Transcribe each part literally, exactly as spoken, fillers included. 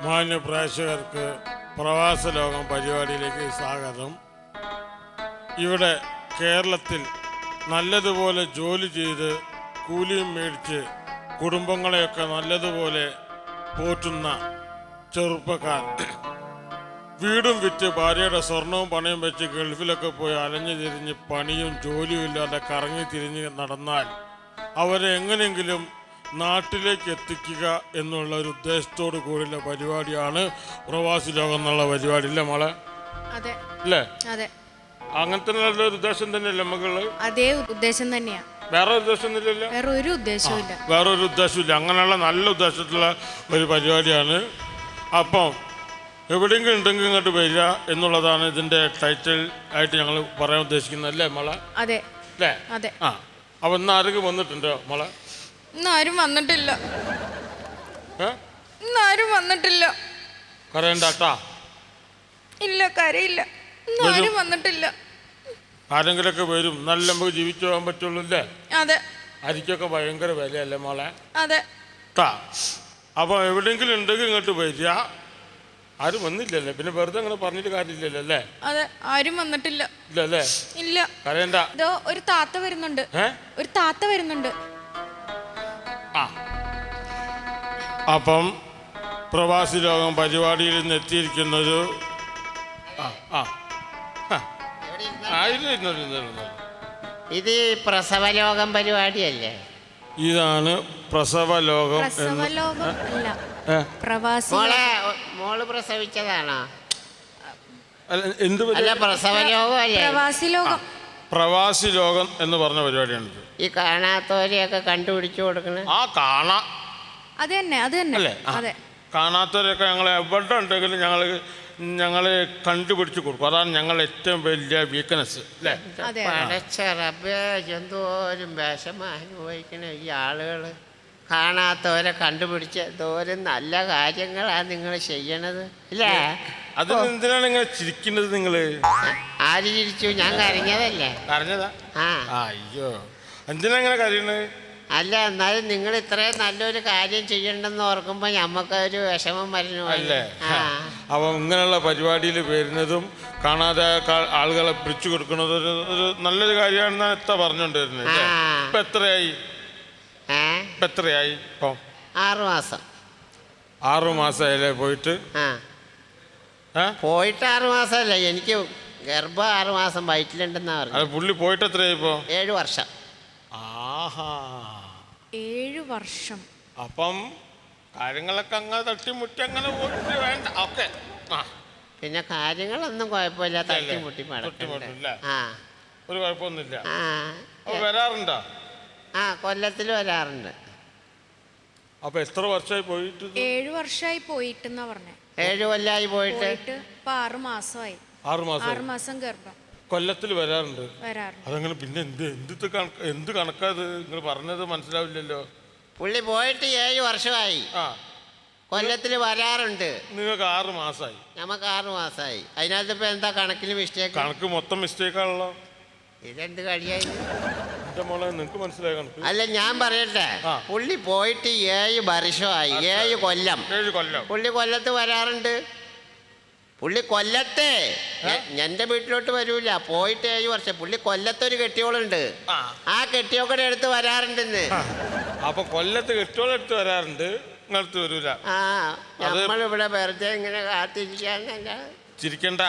മാന്യ പ്രേക്ഷകർക്ക് പ്രവാസ ലോകം പരിപാടിയിലേക്ക് സ്വാഗതം. ഇവിടെ കേരളത്തിൽ നല്ലതുപോലെ ജോലി ചെയ്ത് കൂലിയും മേടിച്ച് കുടുംബങ്ങളെയൊക്കെ നല്ലതുപോലെ പോറ്റുന്ന ചെറുപ്പക്കാർ വീടും വിറ്റ് ഭാര്യയുടെ സ്വർണവും പണയും വെച്ച് ഗൾഫിലൊക്കെ പോയി അലഞ്ഞു തിരിഞ്ഞ് പണിയും ജോലിയും ഇല്ലാതെ കറങ്ങി തിരിഞ്ഞ് നടന്നാൽ അവരെ എങ്ങനെയെങ്കിലും നാട്ടിലേക്ക് എത്തിക്കുക എന്നുള്ള ഒരു ഉദ്ദേശത്തോടു കൂടിയുള്ള പരിപാടിയാണ് പ്രവാസി ലോകം എന്നുള്ള പരിപാടി. ഇല്ലേ മോളെ? അല്ലേ? അങ്ങനത്തെ നല്ലൊരു ഉദ്ദേശം തന്നെയല്ലേ മകള്? അതേ ഉദ്ദേശം തന്നെയാ, വേറെ ഉദ്ദേശമൊന്നുമില്ലല്ലോ. വേറെ ഒരു ഉദ്ദേശമില്ല, വേറെ ഒരു ഉദ്ദേശമില്ല. അങ്ങനെയുള്ള നല്ല ഉദ്ദേശത്തിലുള്ള ഒരു പരിപാടിയാണ്. അപ്പം എവിടെയെങ്കിലും ഉണ്ടെങ്കിൽ ഇങ്ങോട്ട് വരിക എന്നുള്ളതാണ് ഇതിന്റെ ടൈറ്റിൽ ആയിട്ട് ഞങ്ങൾ പറയാൻ ഉദ്ദേശിക്കുന്നത്. അല്ലേ മോളെ? അതെ അല്ലേ? അതെ. ആ, അപ്പൊ ഇന്ന് ആരെങ്കിലും വന്നിട്ടുണ്ടോ മോളെ? ഇന്നാരും വന്നിട്ടില്ല, ഇന്നാരും വന്നിട്ടില്ല. കരയണ്ടാട്ടാ. ഇല്ല, കരയില്ല. ഇന്നാരും വന്നിട്ടില്ല. ആരെങ്കിലൊക്കെ വരും. നല്ല നമുക്ക് ജീവിച്ചു പോകാൻ പറ്റുള്ളൂ. അല്ലേ? അതെ. അരിക്കൊക്കെ ഭയങ്കര വിലയല്ലേ മോളെ? അതെ. അപ്പൊ എവിടെയെങ്കിലും ഉണ്ടെങ്കിൽ ഇങ്ങോട്ട് വരിക. ആരും വന്നില്ലല്ലേ, പിന്നെ വെറുതെ അങ്ങനെ പറഞ്ഞിട്ട് കാര്യമില്ലല്ലോ. അല്ലേ? അതെ, ആരും വന്നിട്ടില്ല. ഇല്ല അല്ലേ? ഇല്ല. കരയണ്ട. ഇതോ ഒരു താത്ത വരുന്നുണ്ട്. ഒരു താത്ത വരുന്നുണ്ട്. ആ, അപ്പം പ്രവാസി ലോകം പരിപാടിയിൽ നിന്ന് എത്തിയിരിക്കുന്നത് ഇത് പ്രസവലോകം പരിപാടിയല്ലേ? ഇതാണ് പ്രസവ ലോകം. മോള് പ്രസവിച്ചതാണോ? എന്ത് അല്ല, പ്രസവലോകം അല്ലേ? പ്രവാസി ലോകം. പ്രവാസി ലോകം എന്ന് പറഞ്ഞ പരിപാടിയാണിത്. ഈ കാണാത്തവരെയൊക്കെ കണ്ടുപിടിച്ചു കൊടുക്കണേ. ആ, കാണാ അത് തന്നെ, അത് തന്നെ. അതെ, കാണാത്തവരൊക്കെ ഞങ്ങൾ എവിടെ ഉണ്ടെങ്കിലും ഞങ്ങൾ ഞങ്ങൾ കണ്ടുപിടിച്ച് കൊടുക്കും. അതാണ് ഞങ്ങളുടെ ഏറ്റവും വലിയ വീക്ക്നെസ്. അല്ലേ? പടച്ചറബേ, എന്തോരം വിഷമം അനുഭവിക്കണ ഈ ആളുകൾ. കാണാത്തവരെ കണ്ടുപിടിച്ച് എന്തോരം നല്ല കാര്യങ്ങളാണ് നിങ്ങൾ ചെയ്യണത്. ഇല്ലേ? അത് എന്തിനാണ് നിങ്ങൾ ചിരിക്കുന്നത്? നിങ്ങള് ആര് ചിരിച്ചു? ഞാൻ കരഞ്ഞതല്ലേ? കരഞ്ഞതാ? ആ. അയ്യോ, എന്തിനാ ഇങ്ങനെ കരയണത്? അല്ല, എന്നാലും നിങ്ങൾ ഇത്രയും നല്ലൊരു കാര്യം ചെയ്യണ്ടെന്ന് ഓർക്കുമ്പോൾ ഞമ്മക്കൊരു വിഷമം വരുന്നു. അല്ലേ? അപ്പം ഇങ്ങനെയുള്ള പരിപാടിയിൽ വരുന്നതും കാണാതെ ആളുകളെ പിടിച്ചു കൊടുക്കുന്നത് ഒരു ഒരു നല്ലൊരു കാര്യമാണെന്നാണ് എത്ര പറഞ്ഞുകൊണ്ടിരുന്നത്. ഇപ്പം എത്രയായി? ഇപ്പം എത്രയായി? ഇപ്പം ആറു മാസം. ആറു മാസമായില്ലേ പോയിട്ട്? ആ, പോയിട്ട് ആറു മാസമല്ല, എനിക്ക് ഗർഭം ആറു മാസം വയറ്റിലുണ്ടെന്നാ പറഞ്ഞു. അത് പുള്ളി പോയിട്ട് എത്രയായി? ഇപ്പോൾ ഏഴു വർഷം. ആഹാ, ഏഴു വർഷം. അപ്പം കാര്യങ്ങളൊക്കെ അങ്ങനെ തട്ടിമുട്ടി അങ്ങനെ പോയിട്ട് വേണ്ട. ഓക്കെ. ആ, പിന്നെ കാര്യങ്ങളൊന്നും കുഴപ്പമില്ല. തട്ടിമുട്ടി ആ, ഒരു കുഴപ്പമൊന്നുമില്ല. ആ, വരാറുണ്ടോ? ആ, കൊല്ലത്തിൽ വരാറുണ്ട്. അപ്പൊ എത്ര വർഷമായി പോയിട്ട്? ഏഴു വർഷമായി പോയിട്ടെന്നാ പറഞ്ഞേ. ഏഴു കൊല്ലായി പോയിട്ട് ഇപ്പൊ ആറു മാസമായി. ആറു മാസം. ആറു മാസം ഗർഭം. കൊല്ലത്തിൽ വരാറുണ്ട്. വരാറുണ്ട്. അതങ്ങനെ പിന്നെ എന്ത് എന്ത് എന്ത് കണക്കാത് നിങ്ങൾ പറഞ്ഞത് മനസ്സിലാവില്ലല്ലോ. പുള്ളി പോയിട്ട് ഏഴ് വർഷമായി. ആ, കൊല്ലത്തിൽ വരാറുണ്ട്. നിങ്ങൾക്ക് ആറ് മാസമായി. നമുക്ക് ആറ് മാസമായി. അതിനകത്ത് ഇപ്പൊ എന്താ കണക്കിന് മിസ്റ്റേക്ക്? കണക്ക് മൊത്തം മിസ്റ്റേക്കാണല്ലോ. ഇതെന്ത് കഴിയായി? എന്റെ മോളെ, നിങ്ങൾക്ക് മനസ്സിലായ കണക്ക്? അല്ല, ഞാൻ പറയട്ടെ, പുള്ളി പോയിട്ട് ഏഴ് വർഷമായി. ഏഴ് കൊല്ലം. ഏഴ് കൊല്ലം പുള്ളി കൊല്ലത്ത് വരാറുണ്ട്. പുള്ളി കൊല്ലത്തെ എന്റെ വീട്ടിലോട്ട് വരൂല. പോയിട്ട് ഏഴ് വർഷം. പുള്ളി കൊല്ലത്തൊരു കെട്ടിയോളുണ്ട്. ആ കെട്ടിയോക്കടെ അടുത്ത് വരാറുണ്ടെന്ന്. അപ്പൊ കൊല്ലത്ത് കെട്ടിയോളെടുത്ത് വരാറുണ്ട്, നിങ്ങളടുത്ത് വരൂല. ആ, നമ്മളിവിടെ വെറുതെ ഇങ്ങനെ കാത്തിരിക്കാന്നല്ല. ചിരിക്കണ്ട.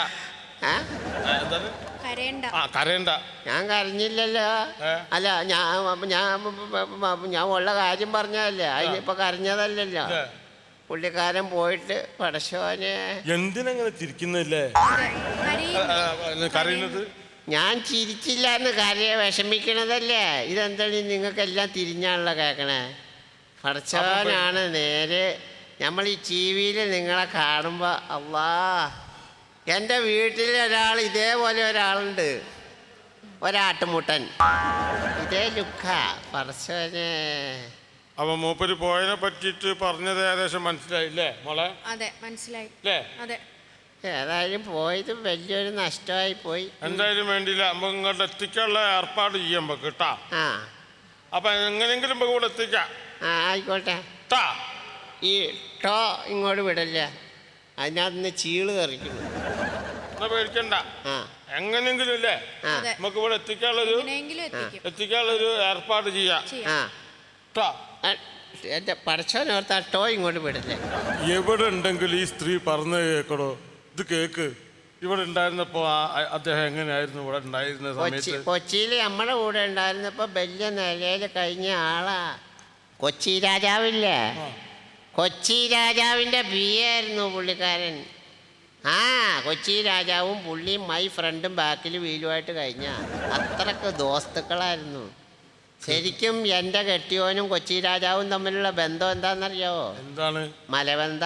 കരയണ്ട. ഞാൻ കരഞ്ഞില്ലല്ലോ. അല്ല, ഞാൻ ഞാൻ ഞാൻ ഉള്ള കാര്യം പറഞ്ഞതല്ലേ. അതിനിപ്പോ കരഞ്ഞതല്ലല്ലോ. പുള്ളിക്കാരൻ പോയിട്ട് പടശോനെ. എന്തിനങ്ങനെ ചിരിക്കുന്നില്ലേ? കരയുന്നത് ഞാൻ ചിരിച്ചില്ല എന്ന് കരയെ വിഷമിക്കണതല്ലേ. ഇതെന്താണ് നിങ്ങൾക്കെല്ലാം തിരിഞ്ഞാണല്ലോ കേൾക്കണേ. പടച്ചോനാണ് നേരെ. നമ്മൾ ഈ ടി വിയിൽ നിങ്ങളെ കാണുമ്പോൾ അള്ളാ, എൻ്റെ വീട്ടിൽ ഒരാൾ ഇതേപോലെ ഒരാളുണ്ട്, ഒരാട്ടുമുട്ടൻ. ഇതേ ലുക്ക. പടച്ചോനെ. അപ്പൊ മൂപ്പര് പോയതിനെ പറ്റിയിട്ട് പറഞ്ഞത് ഏകദേശം മനസ്സിലായില്ലേ മോളെ? അതെ, മനസ്സിലായി. അതെ. ഏതായാലും പോയത് വലിയൊരു നഷ്ടമായി പോയി. എന്തായാലും വേണ്ടിയില്ല, നമുക്ക് ഇങ്ങോട്ട് എത്തിക്കാനുള്ള ഏർപ്പാട് ചെയ്യാൻ കേട്ടാ. ആ, അപ്പൊ എങ്ങനെയെങ്കിലും നമുക്ക് ഇവിടെ എത്തിക്കാം. ആ, ആയിക്കോട്ടെ. ഈ ടോ ഇങ്ങോട്ട് വിടല്ലേ? അതിനകത്ത് ചീള് കറിക്കുന്നു. എന്നാ പേടിക്കണ്ട, ആ എങ്ങനെയെങ്കിലും ഇല്ലേ ആ അതെ. നമുക്ക് ഇവിടെ എത്തിക്കാനുള്ളൊരു എങ്ങനെയെങ്കിലും എത്തിക്കും. എത്തിക്കാനുള്ളൊരു ഏർപ്പാട് ചെയ്യാം ചെയ്യാം. ആ ട്ടാ. ആ, എൻ്റെ പടച്ചോനോർത്ത് ആ ടോ ഇങ്ങോട്ട് വിടല്ലേ. എവിടെ ഉണ്ടെങ്കിൽ ഈ സ്ത്രീ പറഞ്ഞു കേക്കടോ, ഇത് കേക്ക്. ഇവിടെ ഉണ്ടായിരുന്നപ്പോ ആ- അദ്ദേഹം എങ്ങനെയായിരുന്നു ഇവിടെ ഉണ്ടായിരുന്ന കൊച്ചി സമയത്ത്? കൊച്ചിയിൽ നമ്മുടെ കൂടെ ഉണ്ടായിരുന്നപ്പോൾ വലിയ നിലയിൽ കഴിഞ്ഞ ആളാ. കൊച്ചി രാജാവില്ലേ, കൊച്ചി രാജാവിൻ്റെ പി ആയിരുന്നു പുള്ളിക്കാരൻ. ആ കൊച്ചി രാജാവും പുള്ളിയും മൈ ഫ്രണ്ടും ബാക്കിൽ വീലുമായിട്ട് കഴിഞ്ഞ അത്രക്ക് ദോസ്തുക്കളായിരുന്നു. ശരിക്കും എൻ്റെ കെട്ടിയോനും കൊച്ചി രാജാവും തമ്മിലുള്ള ബന്ധം എന്താണെന്നറിയാവോ? എന്താണ്? മലബന്ധ.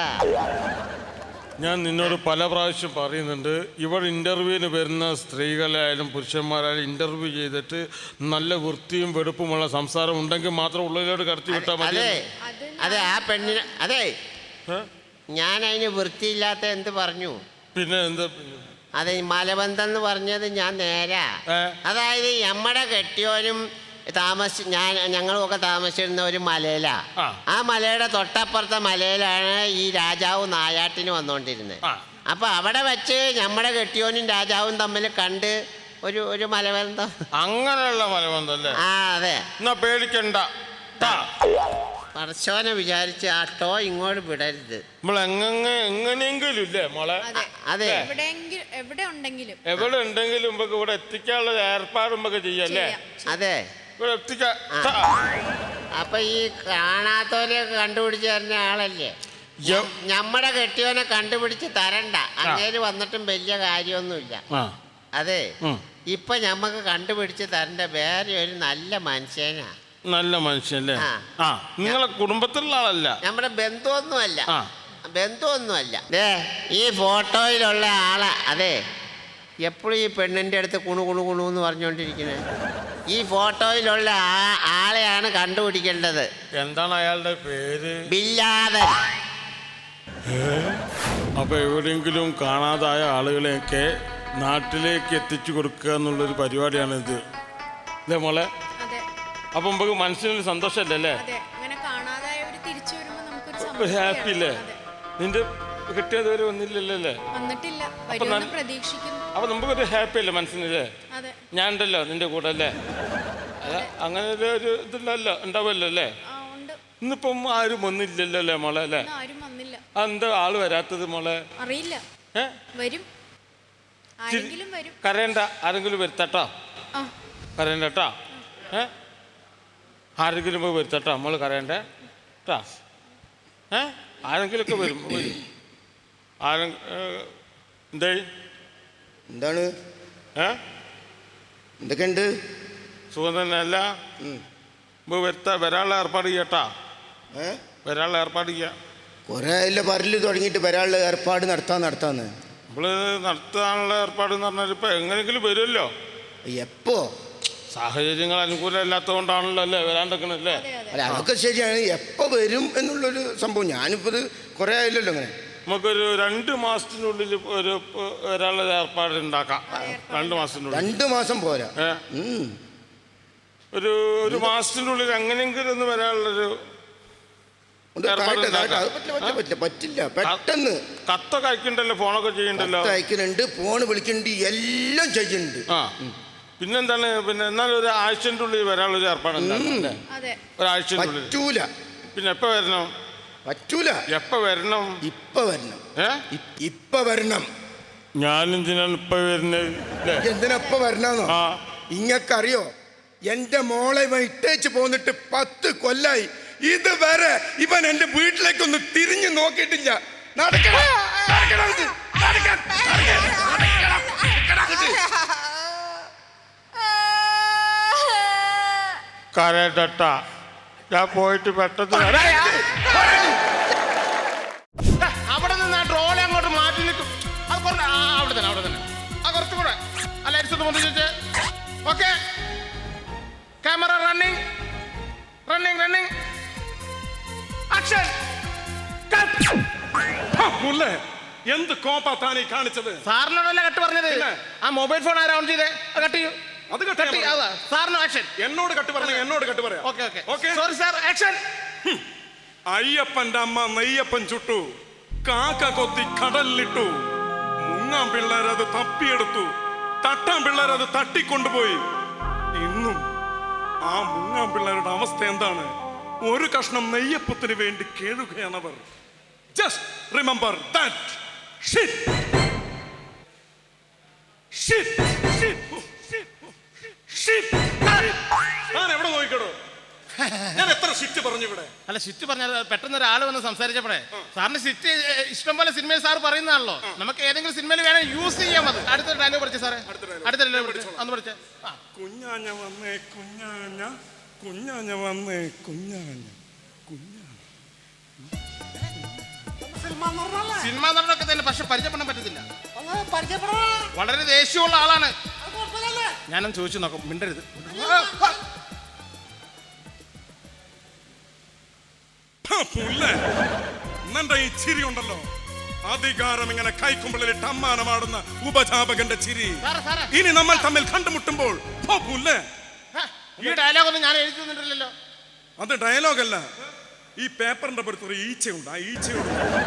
ഞാൻ നിന്നോട് പല പ്രാവശ്യം പറയുന്നുണ്ട്, ഇവിടെ ഇന്റർവ്യൂവിന് വരുന്ന സ്ത്രീകളായാലും പുരുഷന്മാരായാലും ഇന്റർവ്യൂ ചെയ്തിട്ട് നല്ല വൃത്തിയും വെടുപ്പുമുള്ള സംസാരം ഉണ്ടെങ്കിൽ മാത്രം ഉള്ളിലോട്ട് കടത്തി വിട്ടാൽ മതി. അതെ അത് അതെ ആ പെണ്ണിന് അതെ ഏ? ഞാൻ അതിന് വൃത്തിയില്ലാത്ത എന്ത് പറഞ്ഞു? പിന്നെ എന്താ? അതെ മലബന്ധം എന്ന് പറഞ്ഞത് ഞാൻ നേരാ. ഏ? അതായത് നമ്മുടെ കെട്ടിയോനും താമസി ഞാൻ ഞങ്ങളുമൊക്കെ താമസിച്ചിരുന്ന ഒരു മലയിലാ. ആ. ആ മലയുടെ തൊട്ടപ്പുറത്തെ മലയിലാണ് ഈ രാജാവ് നായാട്ടിന് വന്നുകൊണ്ടിരുന്നത്. ആ. അപ്പൊ അവിടെ വെച്ച് നമ്മുടെ കെട്ടിയോനും രാജാവും തമ്മിൽ കണ്ട് ഒരു ഒരു മലബന്ധം. അങ്ങനെയുള്ള മലബന്ധം അല്ലേ? ആ അതെ. എന്നാ പേടിക്കണ്ട ട്ടാ. പടച്ചോനെ വിചാരിച്ച് ആ ടോ ഇങ്ങോട്ട് വിടരുത്. നമ്മൾ എങ്ങനെ എങ്ങനെയെങ്കിലും ഇല്ലേ മോളെ? അതെ. അതെ എവിടെയെങ്കിലും എവിടെ ഉണ്ടെങ്കിലും എവിടെ ഉണ്ടെങ്കിലും നമുക്ക് ഇവിടെ എത്തിക്കാനുള്ള ഏർപ്പാട് നമുക്ക് ചെയ്യല്ലേ? ചെയ്യാം. അതെ. ഇവിടെ എത്തിക്കാം. ആ. അപ്പൊ ഈ കാണാത്തവരെ കണ്ടുപിടിച്ച് തരുന്ന ആളല്ലേ? യ- നമ്മുടെ കെട്ടിയോനെ കണ്ടുപിടിച്ച് തരണ്ട. അങ്ങേര് വന്നിട്ടും വലിയ കാര്യമൊന്നുമില്ല. ആ. അതെ ഉം. ഇപ്പൊ ഞമ്മക്ക് കണ്ടുപിടിച്ച് തരേണ്ട വേറെ ഒരു നല്ല മനുഷ്യനാ. നല്ല മനുഷ്യല്ലേ? ആ. ആ, നിങ്ങളെ കുടുംബത്തിലുള്ള ആളല്ല. നമ്മുടെ ബന്ധുവൊന്നുമല്ല. ആ. ബന്ധുവൊന്നുമല്ല. ദേ ഈ ഫോട്ടോയിലുള്ള ആളാ. അതെ എപ്പോഴും ഈ പെണ്ണിൻ്റെ അടുത്ത് കുണു കുണു കുണു എന്ന് പറഞ്ഞുകൊണ്ടിരിക്കുന്നത്. ഈ ഫോട്ടോയിലുള്ള ആ ആളെയാണ് കണ്ടുപിടിക്കേണ്ടത്. എന്താണ് അയാളുടെ പേര്? ബില്ലാദൻ. അപ്പൊ എവിടെയെങ്കിലും കാണാതായ ആളുകളെയൊക്കെ നാട്ടിലേക്ക് എത്തിച്ചു കൊടുക്കുക എന്നുള്ളൊരു പരിപാടിയാണ് ഇത് അല്ലേ മോളെ? അതെ അപ്പൊ നമുക്ക് മനസ്സിനൊരു സന്തോഷമല്ലേ അല്ലേ? അതെ. അങ്ങനെ കാണാതായവര് തിരിച്ചു വരുമ്പോ നമുക്കൊരു ഒരു സന്തോഷമാണ്. ഹാപ്പി അല്ലേ? അതെ. നിന്റെ കിട്ടിയത് വരെ വന്നില്ലല്ലോ അല്ലേ? വന്നിട്ടില്ല, അപ്പൊ വരുമെന്ന് ഞാൻ- പ്രതീക്ഷിക്കുന്നു. അപ്പൊ നമുക്കൊരു ഹാപ്പി അല്ലേ മനസ്സിനല്ലേ? അതെ. ഞാൻ ഉണ്ടല്ലോ നിന്റെ കൂടെ അല്ലേ? അല്ല അങ്ങനെ ഒരു ഒരു ഇതില്ലല്ലോ ഉണ്ടാവുമല്ലോ അല്ലേ? ആ ഉണ്ട്. ഇന്നിപ്പം ആരും വന്നില്ലല്ലോ അല്ലേ മോളെ അല്ലേ? ഇന്ന് ആരും വന്നില്ല. എന്താ ആള് വരാത്തത് മോളെ? അറിയില്ല. ഏ വരും, ആരെങ്കിലും വരും. കരയണ്ട, ആരെങ്കിലും വരുത്തട്ടോ. ആ കരയണ്ട കേട്ടോ. ഏ ആരെങ്കിലും പോയി വരുത്തട്ടോ, നമ്മൾ കരയണ്ടേ കേട്ടോ. ഏ ആരെങ്കിലുമൊക്കെ വരും വരും ആരെ എന്തേ എന്താണ് ഏ എന്തൊക്കെയുണ്ട്? സുഖം തന്നെ അല്ല? വരുത്ത വരാനുള്ള ഏർപ്പാട് ചെയ്യട്ടാ. ഏ വരാനുള്ള ഏർപ്പാട് ചെയ്യാം. കുറേ ഇല്ല പറല് തുടങ്ങിയിട്ട് വരാനുള്ള ഏർപ്പാട് നടത്താൻ നടത്താന്ന്. നമ്മൾ നടത്താനുള്ള ഏർപ്പാട് എന്ന് പറഞ്ഞാൽ ഇപ്പം എങ്ങനെയെങ്കിലും വരുമല്ലോ. എപ്പോ? സാഹചര്യങ്ങൾ അനുകൂലമല്ലാത്തതുകൊണ്ടാണല്ലോ അല്ലേ വരാണ്ടക്കണല്ലേ? അതെ അതെ. അല്ല അതൊക്കെ ശരിയാണ്. എപ്പോൾ വരും എന്നുള്ളൊരു സംഭവം ഞാനിപ്പോൾ ഇത് കുറേ ആയില്ലല്ലോ അങ്ങനെ. നമുക്കൊരു രണ്ട് മാസത്തിനുള്ളിൽ ഒരു വരാനുള്ള ഏർപ്പാട് ഉണ്ടാക്കാം. രണ്ട് മാസത്തിനുള്ളിൽ. രണ്ട് മാസം പോരാ. ഏ ഉം. ഒരു ഒരു മാസത്തിനുള്ളിൽ എങ്ങനെയെങ്കിലും ഒന്ന് വരാനുള്ളൊരു ഉണ്ട്, ഏർപ്പാട് കാട്ടെ, കാട്ടെ. ഉണ്ടാക്കാം. അത് പറ്റില്ല പറ്റില്ല പറ്റില്ല പറ്റില്ല പെട്ടെന്ന്. കത്തൊക്കെ അയക്കണ്ടല്ലോ, ഫോണൊക്കെ ചെയ്യണ്ടല്ലോ. കത്ത് അയക്കുന്നുണ്ട്, ഫോണ് വിളിക്കുന്നുണ്ട്, എല്ലാം ചെയ്യുന്നുണ്ട്. ആ പിന്നെന്താണ്? പിന്നെ എന്നാലും ഒരു ആഴ്ചൻ്റെ ഉള്ളിൽ വരാനുള്ളൊരു ഏർപ്പാട് ഉണ്ടാക്കാം അല്ലേ? അതെ. ഒരാഴ്ചൻ്റെ ഉള്ളിൽ. പറ്റൂല പിന്നെ എപ്പോൾ വരണം? പറ്റൂല. എപ്പോൾ വരണം? ഇപ്പൊ വരണം. ഏ ഇ- ഇപ്പൊ വരണം. ഞാനെന്തിനാണ് ഇപ്പം വരുന്നത് അല്ലേ? എന്തിനാ ഇപ്പൊ വരണമെന്നോ? ആ ഇങ്ങക്കറിയോ എന്റെ മോളെ ഇവൻ ഇട്ടേച്ച് പോന്നിട്ട് പത്ത് കൊല്ലായി. ഇതുവരെ ഇവൻ എന്റെ വീട്ടിലേക്കൊന്ന് തിരിഞ്ഞു നോക്കിയിട്ടില്ല. നടക്കണം, നടക്കണം ഇത്, നടക്കാൻ, നടക്കാൻ, നടക്കണം, നടക്കണം ഇത്. കരട്ട ഞാൻ പോയിട്ട് പെട്ടെന്ന് വരാം. അവിടെ നിന്ന് ആ ട്രോളി അങ്ങോട്ട് മാറ്റി നിൽക്കും. അത് കുറച്ച് ആ അവിടെ തന്നെ അവിടെ തന്നെ ആ കുറച്ചും കൂടെ ആ ലൈറ്റ്സ് ഒന്ന് പൊന്തിച്ച്. Okay, camera running running running action. മുല്ലേ എന്ത് കോപ്പാത്താനീ കാണിച്ചത്? സാറിനോടല്ല കട്ട് പറഞ്ഞത്. ആ മൊബൈൽ ഫോൺ ആരാ ഓൺ ചെയ്തേ? കട്ട് ചെയ്യൂ. അത് കട്ട് ചെയ്യാൻ പറ. സാറിന് ആക്ഷൻ. എന്നോട് കട്ട് പറഞ്ഞ എന്നോട് കട്ട് പറയാം. Okay okay okay. Sorry sir, action. അയ്യപ്പന്റെ അമ്മ നെയ്യപ്പൻ ചുട്ടു, കാക്ക കൊത്തി കടലിലിട്ടു. മുങ്ങാൻ പിള്ളേരത് തപ്പിയെടുത്തു. തട്ടാൻ പിള്ളേരത് തട്ടിക്കൊണ്ടുപോയി. ഇന്നും ആ മുങ്ങാൻ പിള്ളേരുടെ അവസ്ഥ എന്താണ്? ഒരു കഷ്ണം നെയ്യപ്പത്തിന് വേണ്ടി കേഴുകയാണവർ. Just remember that. Shit shit shit. ഞാൻ എവിടെ നോക്കിക്കടോ? ഞാൻ എത്ര ഷിറ്റ് പറഞ്ഞു ഇവിടെ? അല്ല സിറ്റ് പറഞ്ഞാൽ പെട്ടെന്ന് ഒരാൾ വന്ന് സംസാരിച്ചപ്പോഴേ സാറിന് സിറ്റ് ഇഷ്ടം പോലെ സിനിമയിൽ സാർ പറയുന്നതാണല്ലോ. നമുക്ക് ഏതെങ്കിലും സിനിമയിൽ വേണം യൂസ് ചെയ്യാം. അത് അടുത്ത ഡയലോഗ് പഠിച്ചു സാറേ. അടുത്ത ഡയലോഗ് പഠിച്ചു അന്ന് പഠിച്ചേ. കുഞ്ഞാഞ്ഞ വന്നേ കുഞ്ഞാഞ്ഞ, കുഞ്ഞാഞ്ഞ വന്നേ കുഞ്ഞാഞ്ഞ, കുഞ്ഞാഞ്ഞ. സിനിമ നടനൊക്കെ തന്നെ പക്ഷെ പരിചയപ്പെടാൻ പറ്റത്തില്ല. വളരെ ദേഷ്യമുള്ള ആളാണ്. ഞാനൊന്ന് ചോദിച്ചു നോക്കാം. മിണ്ടരുത്. എന്നെ ഈ ചിരി ഉണ്ടല്ലോ, അധികാരം ഇങ്ങനെ കൈക്കുമ്പിളിലിട്ട് അമ്മാനമാടുന്ന ഉപജാപകന്റെ ചിരി. ഇനി നമ്മൾ തമ്മിൽ കണ്ടുമുട്ടുമ്പോൾ ഈ ഡയലോഗ് ഒന്നും ഞാൻ എഴുതി തന്നിട്ടില്ലല്ലോ. അത് ഡയലോഗല്ല, ഈ പേപ്പറിന്റെ പുറത്ത് ഒരു ഈച്ചയുണ്ട്. ആ ഈച്ചയോട്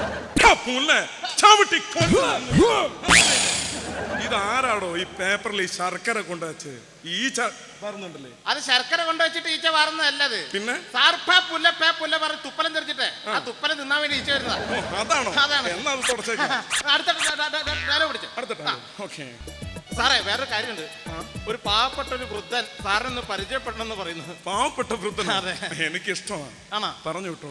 ഇതാരാടോ ഈ പേപ്പറിൽ ഈ ശർക്കര കൊണ്ടുവച്ച് ഈച്ച പറഞ്ഞുണ്ടല്ലേ? അത് ശർക്കര കൊണ്ടുവച്ചിട്ട് ഈച്ച വാറുന്നതല്ലത്. പിന്നെ സാർ പേ പുല്ല പേ പുല്ല പറഞ്ഞ് തുപ്പലം തെറിച്ചിട്ട് ആ തുപ്പലം തിന്നാൻ വേണ്ടി ഈച്ച വരുന്നതാ. അതാണോ? അതാണ്. എന്നാ അത് തുടച്ചേക്കാം. അടുത്ത ഡയലോഗ് പിടിച്ചു. അടുത്ത ഓക്കെ സാറേ വേറൊരു കാര്യമുണ്ട്. ഒരു പാവപ്പെട്ട ഒരു വൃദ്ധൻ സാറിനൊന്ന് പരിചയപ്പെടണമെന്ന് പറയുന്നു. പാവപ്പെട്ട വൃദ്ധൻ? അതെ. എനിക്ക് ഇഷ്ടമാണ്. ആണോ? പറഞ്ഞു വിട്ടോളൂ.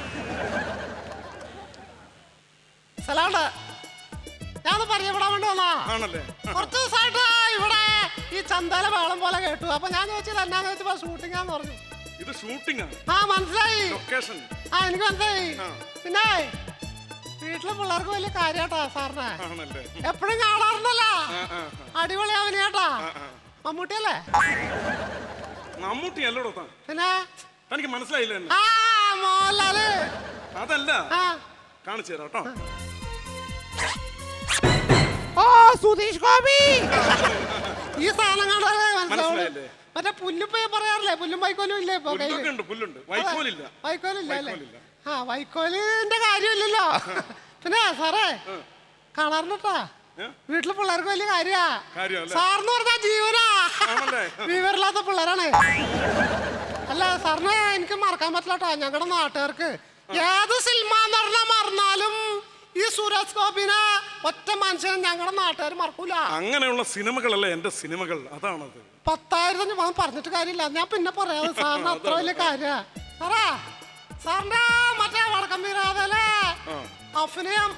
സലാണ്ട് ഞാൻ പരിചയപ്പെടാൻ വേണ്ടി വന്നാ. ആണല്ലേ? കുറച്ച് ദിവസമായിട്ട് ഇവിടെ ഈ ചന്തല വേളം പോലെ കേട്ടു. അപ്പൊ ഞാൻ ചോദിച്ചത് എന്നാന്ന് ചോദിച്ചപ്പോ ഷൂട്ടിംഗാന്ന് പറഞ്ഞു. ഇത് ഷൂട്ടിംഗ് ആണ്. ആ മനസ്സിലായി. ലൊക്കേഷൻ. ആ എനിക്ക് മനസ്സിലായി. പിന്നെ വീട്ടിലെ പിള്ളേർക്ക് വലിയ കാര്യാട്ടാ സാറിനെ. ആണല്ലേ? എപ്പോഴും കാണാറുണ്ടല്ലോ. അടിപൊളി അവനെയാട്ടാ. മമ്മൂട്ടിയല്ലേ? മമ്മൂട്ടി അല്ലടോ താൻ. പിന്നെ തനിക്ക് മനസ്സിലായില്ല എന്നെ? ആ മോഹൻലാല്. അതല്ല, ആ കാണിച്ചു തരാം കേട്ടോ. ഓ സുധീഷ് ഗോപി. ഈ സാധനം കണ്ടാലേ മനസ്സിലാവുള്ളൂ. മനസ്സിലായില്ലേ? മറ്റേ പുല്ലുപ്പേ പറയാറില്ലേ? പുല്ലും വൈക്കോലും ഇല്ലേ ഇപ്പൊ കയ്യില്? പുല്ലൊക്കെ ഉണ്ട്, പുല്ലുണ്ട്. വൈക്കോലില്ല. വൈക്കോലില്ല അല്ലേ? വൈക്കോലില്ല. ആ വൈക്കോലിന്റെ കാര്യമില്ലല്ലോ. പിന്നെ സാറേ കാണാറുണ്ടാ വീട്ടിലെ പിള്ളേർക്ക് വലിയ കാര്യാ. കാര്യമല്ലേ? സാറിന് പറഞ്ഞാ ജീവനാ. ആണല്ലേ? വിവരമില്ലാത്ത പിള്ളേരാണ്. അല്ല സാറിന് എനിക്ക് മറക്കാൻ പറ്റില്ല കേട്ടോ. ഞങ്ങളുടെ നാട്ടുകാർക്ക് ഏത് സിനിമ നടന്ന മറന്നാലും ഈ സുരേഷ് ഗോപിനെ ഒറ്റ മനുഷ്യനെ ഞങ്ങളുടെ നാട്ടുകാർ മറക്കൂല. അങ്ങനെയുള്ള സിനിമകളല്ലേ എന്റെ സിനിമകൾ. അതാണത്. പത്തായിരത്തി അഞ്ഞൂറ് പറഞ്ഞിട്ട് കാര്യമില്ല. ഞാൻ പിന്നെ പറയാം. സാറിന് അത്ര വലിയ കാര്യ. സാറാ സാറിന്റെ മറ്റേ വടക്കം വീരാതല്ലേ അഭിനയം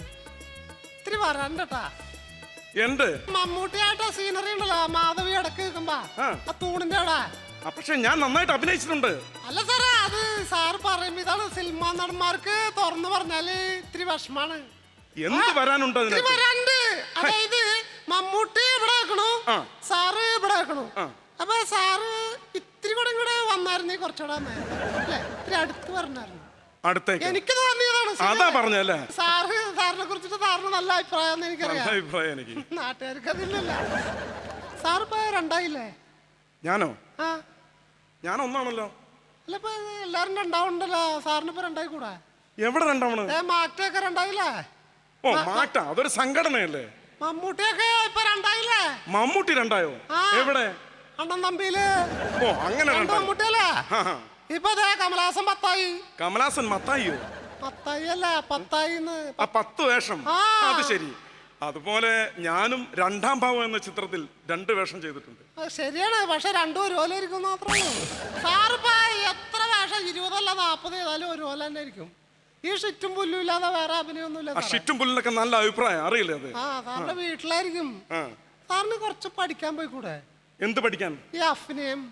ഇത്തിരി വരണ്ടട്ടാ. എന്റെ മമ്മൂട്ടിയായിട്ട് സീനറി ഉണ്ടല്ലോ മാധവി ഇടക്ക് നിൽക്കുമ്പോ ആ തൂണിന്റെ അവിടെ. പക്ഷെ ഞാൻ നന്നായിട്ട് അഭിനയിച്ചിട്ടുണ്ട്. അല്ല സാറേ അത് സാറ് പറയുമ്പോ ഇതാണ് സിനിമാ നടന്മാർക്ക് തുറന്നു പറഞ്ഞാല് ഇത്തിരി വിഷമാണ്. എന്ത് വരാനുണ്ട് ഇത്തിരി വരാണ്ട്. അതായത് മമ്മൂട്ടി ഇവിടെ വെക്കണു, സാറ് ഇവിടെ വെക്കണു. അപ്പൊ സാറ് ഇത്തിരി കൂടെ ഇങ്ങോട്ട് വന്നായിരുന്നേ കുറച്ചുകൂടെ അല്ലേ? ഇത്തിരി അടുത്ത് പറഞ്ഞായിരുന്നു. അടുത്തേക്ക് എനിക്ക് തോന്നിയതാണ്. അതാ പറഞ്ഞല്ലേ? സാറ് സാറിനെ കുറിച്ചിട്ട് സാറിന് നല്ല അഭിപ്രായം എനിക്കറിയാം. അഭിപ്രായം എനിക്ക്. നാട്ടുകാർക്ക് അതില്ലല്ല. സാറിപ്പോ രണ്ടായില്ലേ? ഞാനോ? ആ ഞാൻ ഒന്നാണല്ലോ. അല്ല ഇപ്പൊ എല്ലാരും രണ്ടാവുണ്ടല്ലോ. സാറിനിപ്പോ രണ്ടായി കൂടെ? എവിടെ രണ്ടാവണ്? ഏ മാറ്റൊക്കെ രണ്ടായില്ലേ? ഓ മാറ്റ അതൊരു സംഘടനയല്ലേ? മമ്മൂട്ടിയൊക്കെ ഇപ്പൊ രണ്ടായില്ലേ? മമ്മൂട്ടി രണ്ടായോ? എവിടെ? അണ്ണൻ തമ്പിയില്. ഓ അങ്ങനെ മമ്മൂട്ടിയല്ലേ? ഇപ്പൊ അതെ കമലഹാസൻ പത്തായി. കമലഹാസൻ മത്തായിയോ? പത്തായി അല്ലേ? പത്തായി. ആ പത്ത് വേഷം. അത് ശരി. അതുപോലെ ഞാനും രണ്ടാം ഭാവം എന്ന ചിത്രത്തിൽ രണ്ട് വേഷം ചെയ്തിട്ടുണ്ട്. ശരിയാണ്. പക്ഷെ രണ്ടും ഒരുപോലെ ഇരിക്കും മാത്രമേ ഉള്ളൂ. സാറിപ്പോ എത്ര വേഷം ഇരുപതല്ല നാപ്പത് ഏതായാലും ഒരുപോലെ തന്നെ ഇരിക്കും. ഈ ഷിറ്റും പുല്ലും ഇല്ലാതെ വേറെ അഭിനയൊന്നുമില്ല. ഷിറ്റും പുല്ലിനൊക്കെ നല്ല അഭിപ്രായം അറിയില്ലേ? അത് ആ സാറിന്റെ വീട്ടിലായിരിക്കും. സാറിന് കുറച്ച് പഠിക്കാൻ പോയി കൂടെ? എന്ത് പഠിക്കാൻ? ഈ അഭിനയം.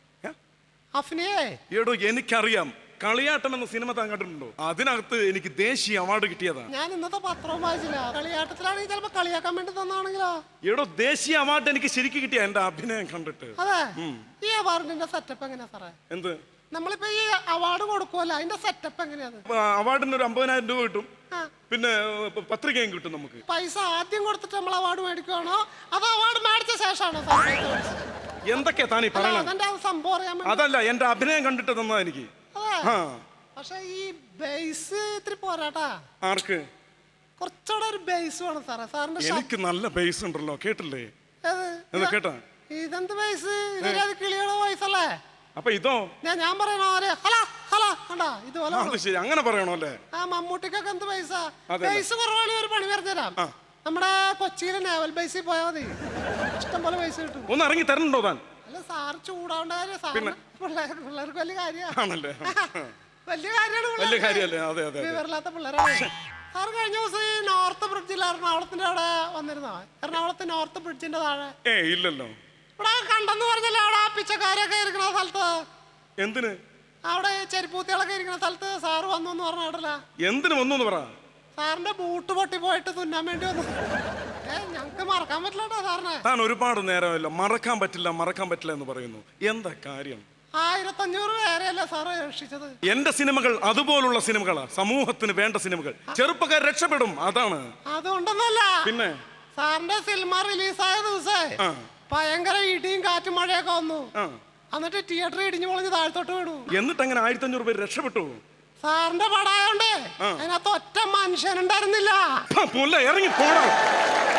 അഭിനയേ ഏടോ എനിക്കറിയാം. കളിയാട്ടം എന്ന സിനിമ താൻ കണ്ടിട്ടുണ്ടോ? അതിനകത്ത് എനിക്ക് ദേശീയ അവാർഡ് കിട്ടിയതാണ്. ഞാൻ ഇന്നത്തെ പത്രവും വായിച്ചില്ല. കളിയാട്ടത്തിലാണെങ്കിൽ ചിലപ്പോ കളിയാക്കാൻ വേണ്ടി തന്നാണെങ്കിലോ? ഏടോ ദേശീയ അവാർഡ് എനിക്ക് ശരിക്കും കിട്ടിയ എന്റെ അഭിനയം കണ്ടിട്ട്. അതെ. ഈ അവാർഡിന്റെ സെറ്റപ്പ് എങ്ങനെയാ സാറേ? എന്ത്? നമ്മളിപ്പോ ഈ അവാർഡ് കൊടുക്കുമല്ലോ അതിന്റെ സെറ്റപ്പ് എങ്ങനെയാണ്? അവാർഡിന് ഒരു അമ്പതിനായിരം രൂപ കിട്ടും. പിന്നെ പത്രികയും കിട്ടും. നമുക്ക് പൈസ ആദ്യം കൊടുത്തിട്ട് നമ്മൾ അവാർഡ് മേടിക്കുവാണോ അതോ അവാർഡ് മേടിച്ച ശേഷമാണോ സാർ? എന്തൊക്കെയാ താനീ പറയണത്? അതിന്റെ സംഭവം അറിയാൻ. അതല്ല എന്റെ അഭിനയം കണ്ടിട്ട് തന്നാ എനിക്ക്. പക്ഷെ ഈ ബേസ് ഇത്തിരി പോരാട്ടാ. ആർക്ക്? കുറച്ചുകൂടെ ഒരു ബേസ് വേണം സാറേ. സാറിന്റെ ശബ്ദം- എനിക്ക് നല്ല ബേസ് ഉണ്ടല്ലോ, കേട്ടില്ലേ? ഏത്? ഇത് കേട്ടാ? ഇതെന്ത് ബേസ്? ഇതൊരു കിളിയുടെ വോയിസ് അല്ലേ? അപ്പൊ ഇതോ? ഞാൻ ഞാൻ പറയണോ ഹലോ ഹലോ കണ്ടാ ഇതുപോലെ ആ, അത് ശരി, അങ്ങനെ പറയണോ അല്ലേ? ആ മമ്മൂട്ടിക്കൊക്കെ എന്ത് പൈസ അതെ. പൈസ കുറവാണെങ്കിൽ ഒരു പണി പറഞ്ഞുതരാം. ആ. നമ്മുടെ കൊച്ചിയിലെ നാവൽ ബേസിൽ പോയാൽ മതി, ഇഷ്ടം പോലെ പൈസ കിട്ടും. ഒന്ന് ഇറങ്ങി തരണുണ്ടോ താൻ? അല്ല സാറ് ചൂടാവേണ്ട കാര്യം, സാറിന് പിള്ളേർ പിള്ളേർക്ക് വലിയ കാര്യമാണ്. ആണല്ലേ? വലിയ കാര്യമാണ് വലിയ പിള്ളേർക്ക്. കാര്യല്ലേ? അതെ അതെ അതെ. വിവരമില്ലാത്ത പിള്ളേരാണ്. സാർ കഴിഞ്ഞ ദിവസം ഈ നോർത്ത് ബ്രിഡ്ജിൽ എറണാകുളത്തിന്റെ അവിടെ വന്നിരുന്നോ? എറണാകുളത്ത് നോർത്ത് ബ്രിഡ്ജിന്റെ താഴെ ഏ ഇല്ലല്ലോ. ഇവിടെ കണ്ടെന്ന് പറഞ്ഞല്ലേ അവിടെ ആ പിച്ചക്കാരൊക്കെ ഇരിക്കുന്ന സ്ഥലത്ത്, എന്തിന്? അവിടെ ചെരുപ്പൂത്തികളൊക്കെ ഇരിക്കുന്ന സ്ഥലത്ത് സാറ് വന്നു എന്ന് പറഞ്ഞ കേട്ടല്ല. എന്തിന് വന്നു പറ. സാറിന്റെ ബൂട്ട് പൊട്ടി പോയിട്ട് തുന്നാൻ വേണ്ടി വന്നു. ഏ ഞങ്ങക്ക് മറക്കാൻ പറ്റില്ല കേട്ടോ സാറിനെ. താൻ ഒരുപാട് നേരമല്ലോ മറക്കാൻ പറ്റില്ല മറക്കാൻ പറ്റില്ല എന്ന് പറയുന്നു. എന്താ കാര്യം? ആയിരത്തഞ്ഞൂറ് പേരെയല്ലേ സാറ് രക്ഷിച്ചത്. എന്റെ സിനിമകൾ അതുപോലുള്ള സിനിമകളാ, സമൂഹത്തിന് വേണ്ട സിനിമകൾ. ചെറുപ്പക്കാർ രക്ഷപ്പെടും, അതാണ്. അതുകൊണ്ടൊന്നല്ല, പിന്നെ സാറിന്റെ സിനിമ റിലീസായ ദിവസേ ആ. ഭയങ്കര ഇടിയും കാറ്റും മഴയൊക്കെ വന്നു. ആ. എന്നിട്ട് തിയേറ്റർ ഇടിഞ്ഞു പൊളിഞ്ഞ് താഴ്ത്തോട്ട് വീണു. എന്നിട്ട് അങ്ങനെ ആയിരത്തി അഞ്ഞൂറ് പേര് രക്ഷപ്പെട്ടു. സാറിന്റെ പടായോണ്ട് ആ. അതിനകത്ത് ഒറ്റ മനുഷ്യനുണ്ടായിരുന്നില്ല. ആ, പുല്ല ഇറങ്ങി പോടാ.